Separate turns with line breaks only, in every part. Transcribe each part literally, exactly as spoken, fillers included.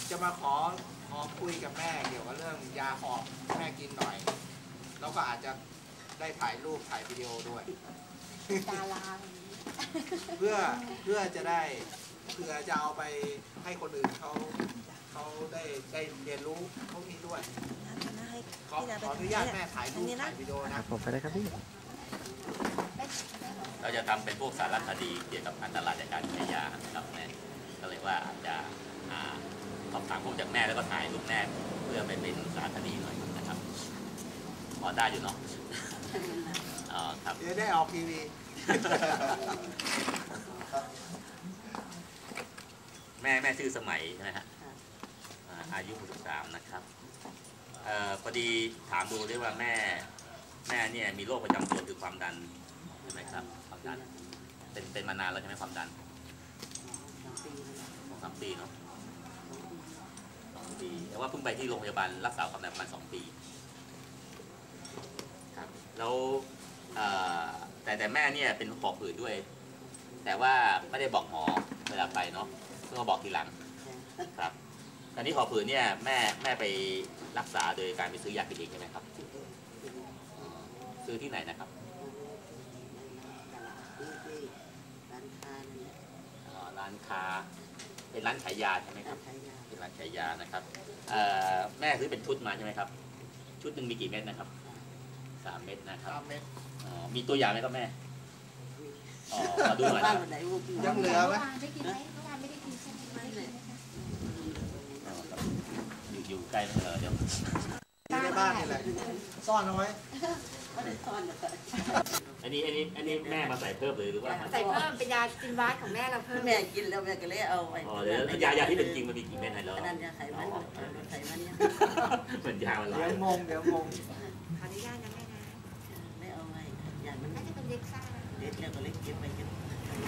จะมาขอขอคุยกับแม่เกี่ยวกับเรื่องยาหอบแม่กินหน่อยแล้วก็อาจจะได้ถ่ายรูปถ่ายวิดีโอด้วย
ดารา
เพื่อเพื่อจะได้เพื่อจะเอาไปให้คนอื่นเขาเขาได้ได้เรียนรู้พวกนี้ด้วยขอขออนุญาตแม่ถ่ายรูปถ่ายวิดีโอนะ
ผมไปได้ครับพี่
เราจะทำเป็นพวกสารคดีเกี่ยวกับอันตรายจากการใช้ยาครับแม่ก็เลยว่าอาจจะสอบถามพวกจากแม่แล้วก็ถ่ายรูปแม่เพื่อไปเป็นสารคดีหน่อยนะครับพอได้อยู่เนาะอ๋อครับ
เดี๋ยวได้ออกทีวี
แม่แม่ชื่อสมัยใช่ไหมฮะอายุหกสิบสามนะครับเอ่อพอดีถามดูด้วยว่าแม่แม่เนี่ยมีโรคประจำตัวคือความดันใช่ไหมครับความดันเป็นเป็นมานานแล้วใช่ไหมความดันสองสามปีเนาะสองปีแต่ว่าเพิ่งไปที่โรงพยาบาลรักษาความดันประมาณสองปีครับแล้วแต่แต่แม่เนี่ยเป็นหอบหืดด้วยแต่ว่าไม่ได้บอกหมอเวลาไปเนาะเพิ่งมาบอกทีหลังครับตอนนี้หอบหืดเนี่ยแม่แม่ไปรักษาโดยการไปซื้อยากินเองใช่ไหมครับซื้อที่ไหนนะครับร้านค้าเป็นร้านขายยาใช่ไหมครับเป็นร้านขายยานะครับแม่ซื้อเป็นชุดมาใช่ไหมครับชุดหนึ่งมีกี่เม็ดนะครับสามเม็ดนะครับมีตัวอย่างไหมครับแม่อ๋อมาดูหน่อยนะ
ยังเหลือไหม
ได้กินไหมเมื่อวานไม่ได้กินใช่ไหม
อยู่อยู่ใกล้เเดี๋ยว
อยู่ในบ้านนี่แหละซ่อนเอาไว้
อันนี้อันนี้อันนี้แม่มาใส่เพิ่มเลยหรือว่า
ใส่เพิ่มเป็นยากินว้าของแม่เราเพิ่ม
แม่กินแล้วแม่ก็เลยเอาไป
อ๋อเดี๋ยวยายาที่เป็นจริงมันมีกี่เม็ดไหนแล้ว
นั่นยาไขมันไขมันเนี่ย
เหมือนยามันหลาย
เดี๋ยวงงเดี๋ยวงง
ขออนุญาตนะแม่นะ
ไม่เอาไว้ยามัน
น่าจะเป็นเล็กซ่า
เล็กแล้วก็เล็กเก็บไปเก็บ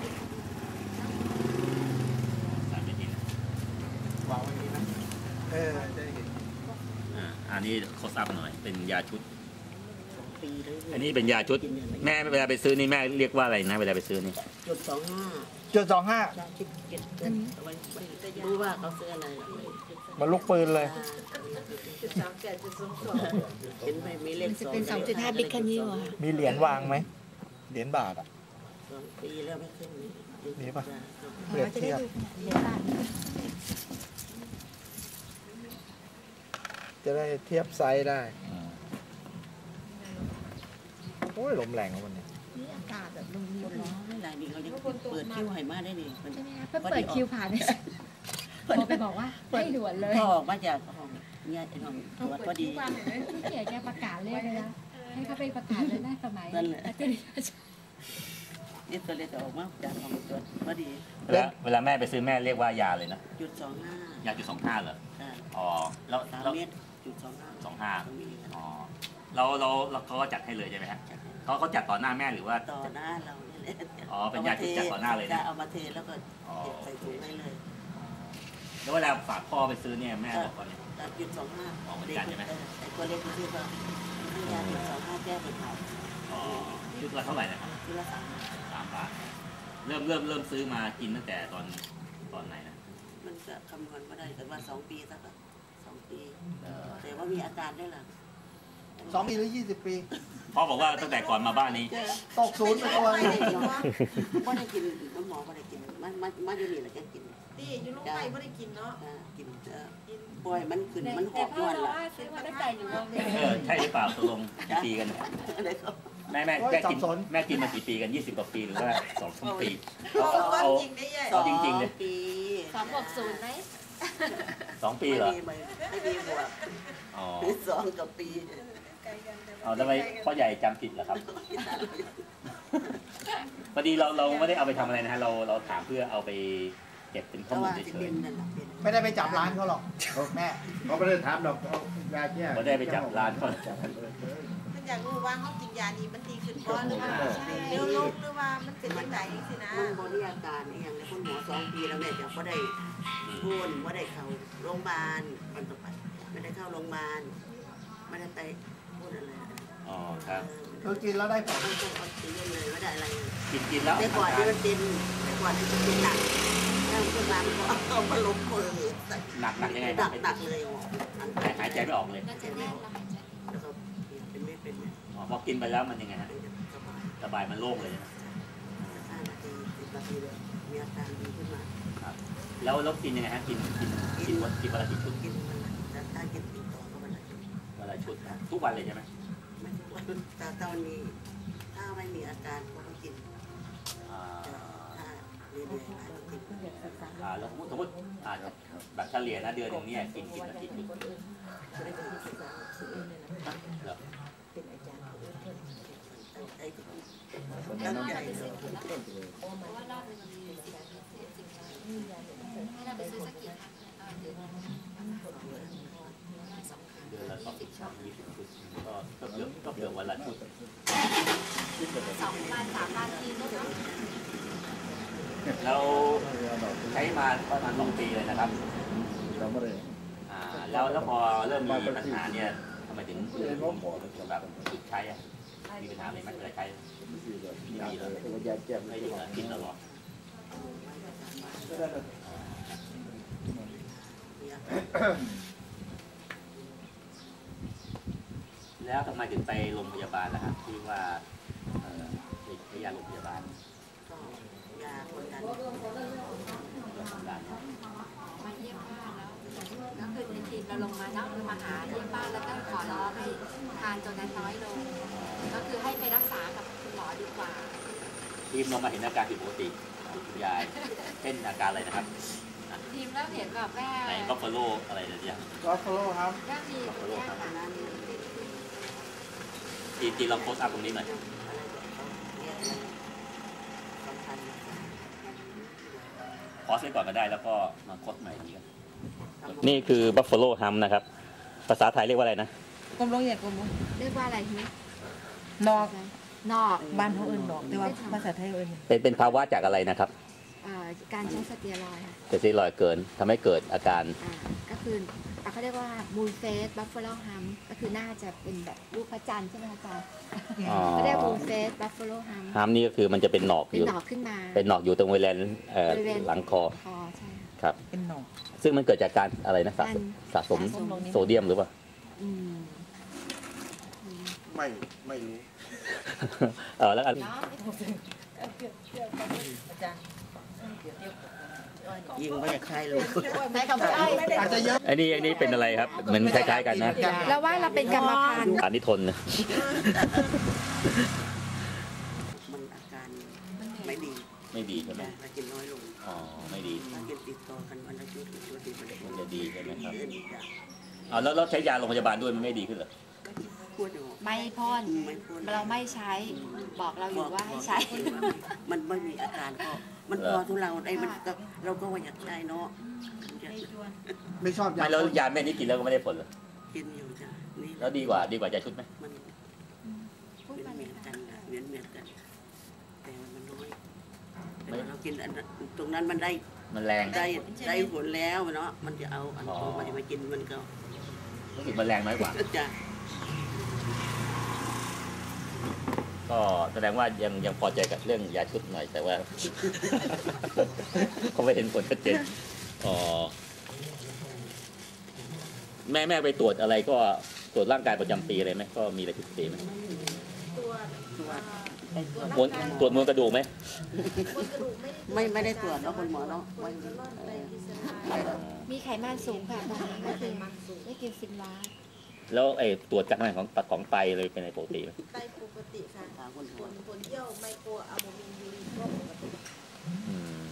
สามเม็ดนี่นะ
วางไว้นี้นะเออได้เห็น
อ่าอันนี้เขาทราบหน่อยเป็นยาชุดอันนี้เป็นยาชุดแม่เวลาไปซื้อนี่แม่เรียกว่าอะไรนะเวลาไปซื้อนี่
จุดสองห้า
จุดสองห้า
รู้ว่าเขาซื้ออะไร
มันลูกปืนเลย
จุดสองเจ็ดจุดสองสอง
เห็นไหมมีเลข
สองเป็นสองจุดห้าบิ๊กแคนิวอ่ะ
มีเหรียญวางไหมเหรียญบาทอ่ะ
สองปีแล้วไม่ขึ้น
มีป่ะเปรียบเทียบจะได้เทียบไซส์ได้โอ้ยลมแรงวันนี้
นี่อากาศแบบลม
ลมร้อนไม่ไรดีเขาจะเปิดคิวให้มาได้ดิ
ใช่ไหมคะเพิ่งเปิดคิวผ่านเนี่ยพอไปบอกว่าให้ด่วนเลย
พอออกมาจากห้องเนี่ยไอ้ห้องตรวจพอดี
พี่เก๋แกประกาศเลขเลยนะให้เขาไปประกาศเลยนะสมัย
นี่ตัวเลขออกมาจากห้องตรวจพอดี
เวลาเวลาแม่ไปซื้อแม่เรียกว่ายาเลยนะ
จุดสองห้าย
าจุดสองห้าเหรออ๋อแล้ว
สามเมตรจุดสองห้า
สองห้าอ๋อเราเราเราเขาก็จัดให้เลยใช่ไหมฮะเขาเขาจัดต่อหน้าแม่หรือว่า
ต่อหน้าเราเนี่ย
อ๋อเป็นยาที่จัดต่อหน้าเลยนะ
เอามาเทแล้วก็เก็บใส่ถุงให้เลย
แล้วเวลาฝากพ่อไปซื้อเนี่ยแม่บอกว่าเนี่ย
จุดสองห้า
อ๋อเหมือนกันใช่ไหม
ไอ้ตัวเล็กที่ชื่อว่าให้ยาจุดสองห้าแก้เป็นเผา
อ๋อชุดละเท่าไหร่นะครับ
ชุดละสาม
สามบาทเริ่มเริ่มเริ่มซื้อมากินตั้งแต่ตอนตอนไหนนะ
มันก็คำนวณไม่ได้แต่ว่าสองปีสักสองปีแต่ว่ามีอาการได้หรอ
สองปีหรือยี่สิบปี
พ่อบอกว่าตั้งแต่ก่อนมาบ้านนี้
ตกศูนย์ไปตัว
ไม่ได้กินไม่ได้กินน้ำหมอไม่ได้กินมันมันมันอยู่นี่แหละแกกิน
ดีอยู่ลูกไปไม่ได้กินเนาะ
กินป่วยมันขึ้นมันหอบนวลละ
ซื้อมาตั้งแต่อยู่โรงเรียน
เออใช่หรือเปล่าตกลงกี่ปีกันแม่แม่แม่กินแม่กินมากี่ปีกันยี่สิบกว่าปีหรือว่าสองปี
เอาจริงได้ยัง
เอาจริงๆเลย
สองบวกศูนย์ไหม
สองปีเหรอ
ไม่มีบวก
อ๋อ
สองกับปี
เอาทำไมพ่อใหญ่จำผิดเหรอครับพอดีเราเราไม่ได้เอาไปทำอะไรนะฮะเราเราถามเพื่อเอาไปเก็บเป็นข้อมูลเฉย
ๆไม่ได้ไปจับร้านเขาหรอกแม่เขาไม่ได้ถามหรอกเขายาแก้
ไม่ได้ไปจับร้านเขา
มันอยากรู้ว่าเขากินยานี้มันดีขึ้นบ้างหรือว่าเร็วลงหรือว่ามันเป็นยังไงสินะ
มันบริอาการนี่อย่างคุณหมอสองปีแล้วเนี่ยจะไม่ได้พูดไม่ได้เข้าโรงพยาบาลวันต่อไปไม่ได้เข้าโรงพยาบาลไม่ได้ไปพูดอะไร
อ๋อครับ
คือกินแล้วได้ผล
กินเลยไม่ได้อะไร
กินกินแล้ว
แต่ก่อนที่มันเป็นแต่ก่อนที่มันเป็นหนักแล้วขึ้นมาก็เอามาลงมือ
หนักหนักยังไง
หนักหนักเลยอัน
หายใจไม่ออกเลย
น่าจะแน่นแล้วหายใจ
แล้วก็เป็นเม็ดเป็นเม็ด
อ๋อพอกินไปแล้วมันยังไงฮะ
สบาย
สบายมันโล่งเลยนะ
ห้านาทีสิบนาทีเลยมีอาการดีขึ้นมา
ครับแล้วแล้วกินยังไงฮะกินกินกินวันกินวันละกี่ชุด
กินมันละถ้ากินติดต่อก็มันละ
วันละชุดนะทุกวันเลยใช่ไหม
ไม่ทุกวันแต่ตอนนี้ถ้าไม่มีอาการก็ไม่กิน
อ่า
ถ้าเรื่อยๆอาจจะกิน
อ่าแล้วสมมติอ่าแบบเฉลี่ยนะเดือนหนึงเนี่ยกินกินละกี่ชุดเหรอ
ไอ้ที่
ตั้
ตั้
ง
ง
ใจ
ใจ
ไปซื้อกี่แล้วเพราะว่ารอบนึงมันมีสิบสิบสิบให้เราไปซื้อสักกี่ครั้งเดือนสองครั้ง
เดือนละสองสิบสามยี่สิบชุดก็ก็เกือบก็เกือบวันละชุด
สองวันสามวันทีก็เนาะ
เราใช้มาประมาณสองปีเลยนะครับอ่าแล้วแล้วพอเริ่มมีปัญหาเนี่ยทำไมถึงถึงแบบหยุดใช้อะมีปัญหาอะไรไหมเวลาใช้ไม่มีเลยไม่หยุดเลยกินตลอดแล้วทำไมถึงไปโรงพยาบาลล่ะครับที่ว่าเอ่อไปใช้ยาโรงพยาบาล
ก็ยาคนดัน
เรื่องของการ
มาเยี่ยมบ้านแล้วก็คือในทีมเราลงมาเนาะมาหาเยี่ยมบ้านแล้วก็ขอร้องให้ทานตัวนั้นน้อยลงก็คือให้ไปรักษากับคุณหมอดีกว่า
ทีมเรามาเห็นอาการผิดปกติของคุณยายเช่นอาการอะไรนะครับ
ทีมแล้วเห็นแบบแม่
ในบัฟฟาโลอะไรเนี่ย
ก็ฟอลโล่ครับ
ก็มีเนี่ยค่ะ
นั้น
ทีทีลองโพสต์อัพตรงนี้หน่อย
อะไรแบบเขาเนี่ยสำคัญ
พอสไว้ก่อนก็ได้แล้วก็มาโพสต์ใหม่นี้กันนี่คือบัฟฟาโลฮัมนะครับภาษาไทยเรียกว่าอะไรนะ
กลมลงอย่างกลมลง
เรียกว่าอะไรที
นอก
นอก
บ้านเขาเอื่นนอกแต่ว่าภาษาไทยเอื่น
เป็นเป็นภาวะจากอะไรนะครับ
เอ่อการใช้สเตียรอยด์ค่ะ
เสตีรอยด์เกินทำให้เกิดอาการ
อ่าก็คืออ่ะเขาเรียกว่ามูลเฟสบัฟฟาโลฮัมก็คือน่าจะเป็นแบบรูปพระจันทร์ใช่ไหมคะอาจารย์
อ๋อ
เขาเรียกมูลเฟสบัฟฟาโลฮัม
ฮัมนี่ก็คือมันจะเป็นหนอก
เป็
อน ยู่
หนอกขึ้นมา
เป็นหนอกอยู่ตรงบริเวณเอ่อบ
ริเวณ
หลังคอ
คอใช่ค่ะ
ครับ
เป็นนอก
ซึ่งมันเกิดจากการอะไรนะสะสมสะสม
สะสม
โซเดียมหรือเปล่า
อืม
ไม่ไม่รู้
เออแล้วอัน
เนาะ
ยิงไม่อยากใช่เลย
ใช้คำว่าอ้อย
อาจจะเยอะ
ไอ้นี่ไอ้นี่เป็นอะไรครับเหมือนคล้ายๆกันนะ
แล้วว่าเราเป็นกรรมพันธุ์
อันนี้ทนนะ
มันอาการไม่ดี
ไม่ดีใช่ไหม
ถ้ากินน้อยลง
อ๋อไม่ดี
ถ้ากินติดต่อกันวันละชุดหรือชุดติดมัน
มันจะดีใช่ไหมครับ
เดินอีกอย่าง
เอาแล้วเราใช้ยาโรงพยาบาลด้วยมันไม่ดีขึ้นเหรอ
พูดอยู่
ไม่พ่น
ไม่พูด
เราไม่ใช้บอกเราอยู่ว่าให้ใช้
มันไม่มีอาการก็มันพอทุเราได้มันก็เราก็ว่าอยากใช้เนาะมันจะ
ไม่ชอบยา
ไม่แล้วยาเม็ดนี้กินแล้วก็ไม่ได้ผลเหรอ
กินอยู่จ้ะนี่
แล้วดีกว่าดีกว่าจะชุดไหม
มัน
พูด
เหมือน
มา
เห
เล
มื
ย
อน
ค่ะ
กันนะเหมือนเหมือนกัน แต่มันน้อยแต่เรากินอันนั้นตรงนั้นมันได้
มันแรง
ได้ได้ผลแล้วเนาะมันจะเอาอันตรงมันจะมากินมันก็
รู้สึกมันแรงน้อยกว่า
จะ
ก็แสดงว่ายังยังพอใจกับเรื่องยาชุดหน่อยแต่ว่า เขาไม่เห็นผลชัดเจนอ๋อแม่แม่ไปตรวจอะไรก็ตรวจร่างกายประจำปีอะไรไหมก็มีอะไรผิดปกติไหม
ตัว
มวลตรวจมวลกระดูกไหม
ไม่ไม่ได้ตรวจเนาะคุณหมอเนาะไม่
มีไขมันสูงค่ะตอนนี้ก็คือได้กินฟินวาส
แล้วไอ้ตรวจจากไหนของของไตเลยเป็นอะไรปกติไหม
ไตปกติค่ะ
ถามคุณหม
ผ
อ
ลผลเยี่ยวไมโครอะโมมินยูรินก็ปกติ
อืม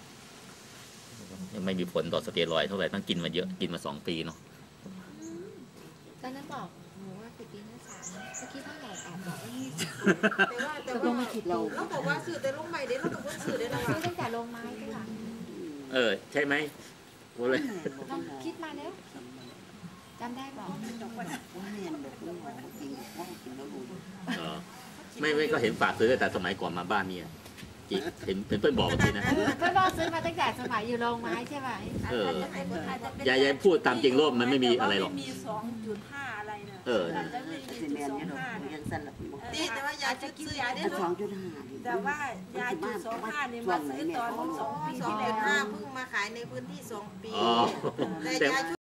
ยังไม่มีผลต่อสเตียรอยด์เท่าไหร่ต้องกินมาเยอะกินมาสองปีเนาะ
ตอนนั้นบอกหนูว่าสิบปีหน้าสามเมื่อกี้เท่าไหร่แอบบอกว่ายี่
แต่ว่าแต่ว่าเราเราบอกว่าสื่อแต่ลงใหม่เด้เราต้องว่าสื่อได้แล้ว
ซื้อ
ว่า
ตั้งแต่ลงไม้ด้วยค่ะ
เออใช่ไหมโอ้เลย
ลองคิดมาแล้วจำได้บอก
ว่าเรียนแบบคุณหมอกินว่ากินแล้วรู้
เออไม่ไม่ก็เห็นฝากซื้อแต่สมัยก่อนมาบ้านเนี่ยจิเห็นเป็นเพื่อนบอกแบบนี้นะ
เพื่อนบอกซื้อมาตั้งแต่สมัยอยู่โรงไม้ใช่ไหม
เออ ยายยายพูดตามจริงโลกมันไม่มีอะไรหรอก
มีสองจุดห้าอะไรนะ
เออ
อาจจะไม่มี
ซี
จุด
เมน
สอง
เนี่ยเรา
ห้านะ
ยังสั้นละคุณหมอ
เออ
ตีแต่ว่ายาชุดซื้อยาได้
อันสองจุดห้า
แต่ว่ายาจุดสองห้าเนี่ยมาซื้อตอนสองปี
สอง
ที่
จุ
แล้
ด
ว
ห้าเพิ่งมาขายในพื้นที่สองปี
อ๋อ
แต่ยาชุด